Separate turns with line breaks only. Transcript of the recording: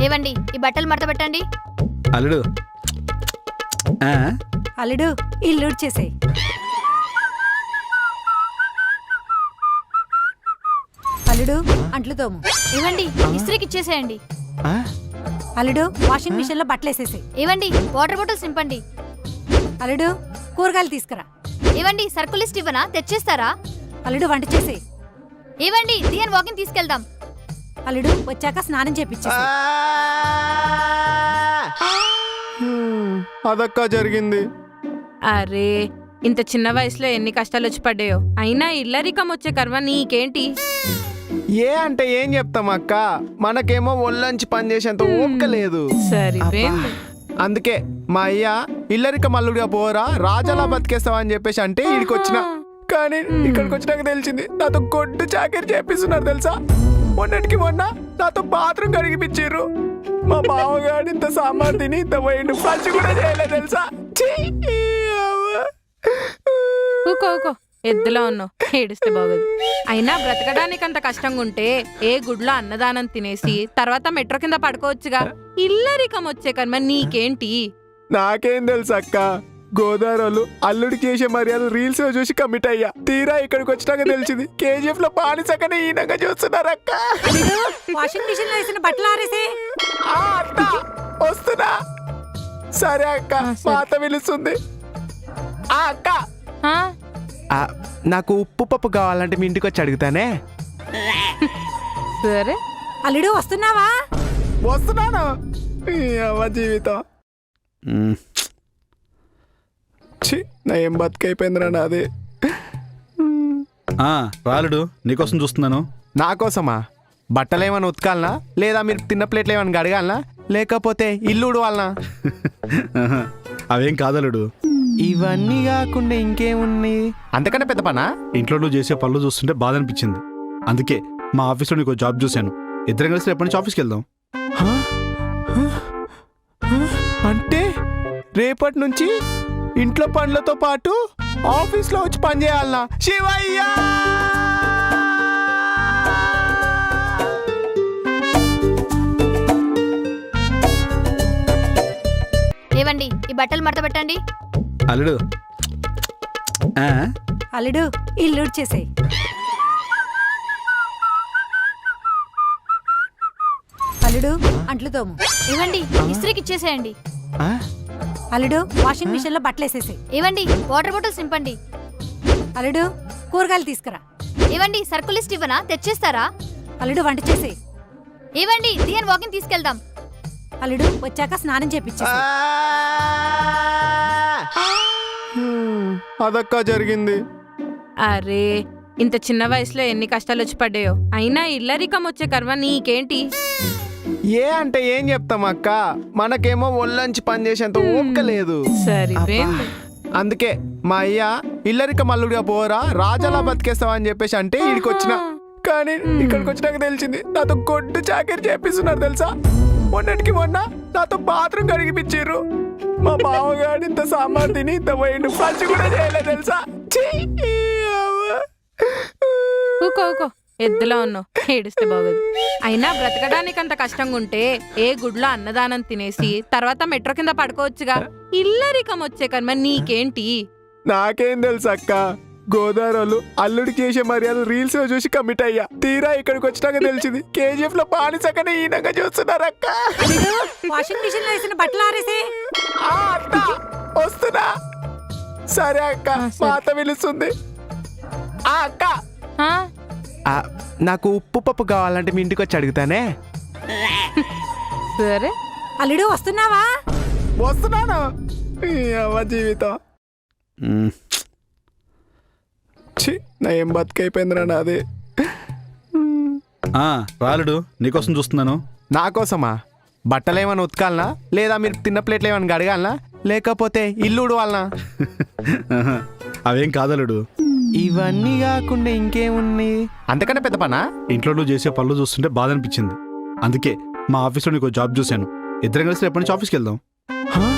ఏవండి ఈ బట్టలు మడత పెట్టండి.
అల్లుడు
అల్లుడు ఇల్లు చేసేయి. అల్లుడు అంట్లు తోము.
ఏవండి ఇస్త్రీకి ఇచ్చేసేయండి.
అల్లుడు వాషింగ్ మిషన్ లో బట్టలు వేసేసేయి.
ఏవండి వాటర్ బాటిల్స్ నింపండి.
అల్లుడు కూరగాయలు తీసుకురా.
ఏవండి సర్కుల్ లిస్ట్ ఇవ్వనా, తెచ్చేస్తారా?
అల్లుడు వంట చేసేయి.
ఏవండి దియన్ వాకింగ్ తీసుకెళ్దాం.
అల్లుడు వచ్చాక స్నానం చేపించేసి.
అదక్క జరిగింది.
అరే ఇంత చిన్న వయసులో ఎన్ని కష్టాలు వచ్చి పడ్డాయో. అయినా ఇల్లరికం వచ్చే కర్మ నీకేంటి?
ఏ అంటే ఏం చెప్తాం అక్క, మనకేమో ఒళ్ళంచి పని చేసేంత ఓపిక లేదు.
సరిపోయింది.
అందుకే మా అయ్య ఇల్లరిక మల్లుడిగా పోరా రాజాలా బతికేస్తావా అని చెప్పేసి అంటే ఇక్కడికి వచ్చిన. కానీ ఇక్కడికి వచ్చినాక తెలిసింది నాతో గొడ్డు చాకరీ చేపిస్తున్నారు తెలుసా. మొన్నటికి మొన్న నాతో బాత్రూమ్ కడిగిపించారు. మా బావగాడు ఇంత సాంబార్ తిని ఇంత పోయిండు, పంచి కూడా చేయలేదు తెలుసా.
ఊకో ఊకో ఎద్దులో ఉన్నావు, ఏడిస్తే బాగోదు. అయినా బ్రతకడానికి అంత కష్టంగా ఉంటే ఏ గుడ్లో అన్నదానం తినేసి తర్వాత మెట్రో కింద పడుకోవచ్చుగా. ఇల్లరికం వచ్చే కర్మ నీకేంటి?
నాకేం తెలుసు అక్క, గోదావరిలో అల్లుడికి చేసే మర్యాద రీల్స్ లో చూసి కమిట్ అయ్యా. తీరా ఇక్కడికి వచ్చినాక తెలిసింది కేజీఎఫ్ లో బానిసకనే ఈనంగా చూస్తున్నారు అక్క.
వాషింగ్ మిషన్ లో వేసిన బట్టలు ఆరేసే.
అత్త వస్తున్నా. సరే అక్క, మా అత్త పిలుస్తుంది. అక్క నాకు ఉప్పు పప్పు కావాలంటే మీ ఇంటికి వచ్చి అడుగుతానే.
సరే
అల్లుడు వస్తున్నావా?
వస్తున్నాను. జీవితం నా ఏం బతుకైపోయిందిరా నాది.
రాలుడు నీకోసం చూస్తున్నాను.
నా కోసమా? బట్టలు ఏమైనా ఉతకాలనా, లేదా మీరు తిన్న ప్లేట్లు ఏమైనా గడగాలనా, లేకపోతే ఇల్లు ఉడవాలనా?
అవేం కాదలుడు.
ఇవన్నీ కాకుండా ఇంకేమున్నాయి? అంతకన్నా పెద్ద పనా?
ఇంట్లో నువ్వు చేసే పనులు చూస్తుంటే బాధ అనిపించింది. అందుకే మా ఆఫీస్లో నీకు జాబ్ చూశాను. ఇద్దరం కలిసి రేపటి నుంచి ఆఫీస్కి వెళ్దాం.
అంటే రేపటి నుంచి ఇంట్లో పనులతో పాటు ఆఫీస్లో వచ్చి పని చేయాలనా? శివయ్య
ఏవండి ఈ బట్టలు మడత పెట్టండి.
అల్లుడు
అల్లుడు ఇల్లు చేసేయి. అల్లుడు అంట్లు తోము.
ఏవండి ఇస్త్రీకి ఇచ్చేసేయండి.
అల్లుడు వాషింగ్ మిషన్ లో బట్టలు వేసేసేయి.
ఏవండి వాటర్ బాటిల్స్ నింపండి.
అల్లుడు కూరగాయలు తీసుకురా.
ఏవండి సర్కుల్ లిస్ట్ ఇవ్వనా, తెచ్చేస్తారా?
అల్లుడు వంట చేసేయి.
ఏవండి దియన్ వాకింగ్ తీసుకెళ్దాం.
అల్లుడు వచ్చాక స్నానం చేపించేసి.
అదక్క జరిగింది.
అరే ఇంత చిన్న వయసులో ఎన్ని కష్టాలు వచ్చి పడ్డాయో. అయినా ఇల్లరికం వచ్చే కర్మ నీకేంటి?
ఏ అంటే ఏం చెప్తాం అక్క, మనకేమో ఒళ్ళంచి పని చేసేంత ఓపిక లేదు.
సరిపోయింది.
అందుకే మా అయ్య ఇల్లరిక మల్లుడిగా పోరా రాజాలా బతికేస్తావా అని చెప్పేసి అంటే ఇక్కడికి వచ్చిన. కానీ ఇక్కడికి వచ్చినాక తెలిసింది నాతో గొడ్డు చాకరీ చేపిస్తున్నారు తెలుసా. మొన్నటికి మొన్న నాతో బాత్రూమ్ కడిగిపించారు. మా బావగాడు ఇంత సాంబార్ తిని ఇంత పోయిండు, పంచి కూడా చేయలేదు తెలుసా.
ఊకో ఊకో ఎద్దులో ఉన్నావు, ఏడిస్తే బాగోదు. అయినా బ్రతకడానికి అంత కష్టంగా ఉంటే ఏ గుడ్లో అన్నదానం తినేసి తర్వాత మెట్రో కింద పడుకోవచ్చుగా. ఇల్లరికం వచ్చే కర్మ నీకేంటి?
నాకేం తెలుసు అక్క, గోదావరిలో అల్లుడికి చేసే మర్యాద రీల్స్ లో చూసి కమిట్ అయ్యా. తీరా ఇక్కడికి వచ్చినాక తెలిసింది కేజీఎఫ్ లో బానిసకనే ఈనంగా చూస్తున్నారు అక్క.
వాషింగ్ మిషన్ లో వేసిన బట్టలు ఆరేసే.
అత్త వస్తున్నా. సరే అక్క, మా అత్త పిలుస్తుంది. అక్క నాకు ఉప్పు పప్పు కావాలంటే మీ ఇంటికి వచ్చి అడుగుతానే.
సరే
అల్లుడు వస్తున్నావా?
వస్తున్నాను. జీవితం నా ఏం బతుకైపోయిందిరా నాది.
రాలుడు నీకోసం చూస్తున్నాను.
నా కోసమా? బట్టలు ఏమైనా ఉతకాలనా, లేదా మీరు తిన్న ప్లేట్లు ఏమైనా గడగాలనా, లేకపోతే ఇల్లు ఉడవాలనా?
అవేం కాదలుడు.
ఇవన్నీ కాకుండా ఇంకేమున్నాయి? అంతకన్నా పెద్ద పనా?
ఇంట్లో నువ్వు చేసే పనులు చూస్తుంటే బాధ అనిపించింది. అందుకే మా ఆఫీస్లో నీకు జాబ్ చూశాను. ఇద్దరం కలిసి రేపటి నుంచి ఆఫీస్కి వెళ్దాం.